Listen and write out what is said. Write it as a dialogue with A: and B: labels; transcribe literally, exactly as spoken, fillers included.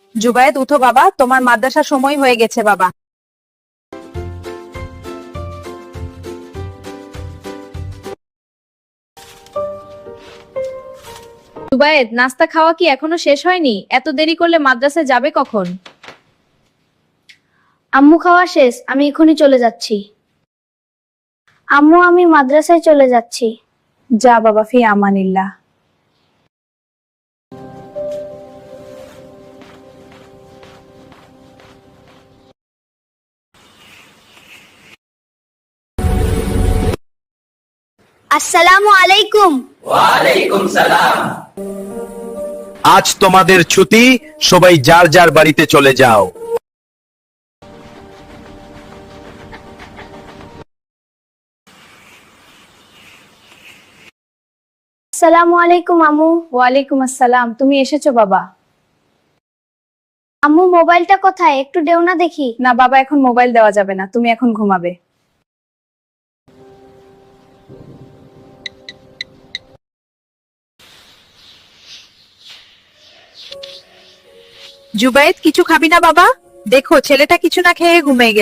A: জুবায়েদ, উঠো বাবা, তোমার মাদ্রাসার সময় হয়ে গেছে বাবা।
B: জুবায়েদ, নাস্তা খাওয়া কি এখনো শেষ হয়নি? এত দেরি করলে মাদ্রাসায় যাবে কখন?
C: আম্মু, খাওয়া শেষ, আমি এখনই চলে যাচ্ছি। আম্মু, আমি মাদ্রাসায় চলে যাচ্ছি।
A: যা বাবা, ফি আমানিল্লাহ।
C: আসসালামু আলাইকুম।
D: ওয়ালাইকুম সালাম।
E: আজ তোমাদের ছুটি, সবাই যার যার বাড়িতে চলে যাও।
C: আসসালামু আলাইকুম আম্মু।
A: ওয়ালাইকুম আসসালাম। তুমি এসেছো বাবা?
C: আম্মু, মোবাইলটা কোথায়? একটু দেও না দেখি।
A: না বাবা, এখন মোবাইল দেওয়া যাবে না, তুমি এখন ঘুমাবে। জুবায়েদ, কিছু খাবি না বাবা? দেখো ছেলেটা কিছু না খেয়ে ঘুমিয়ে গেছে।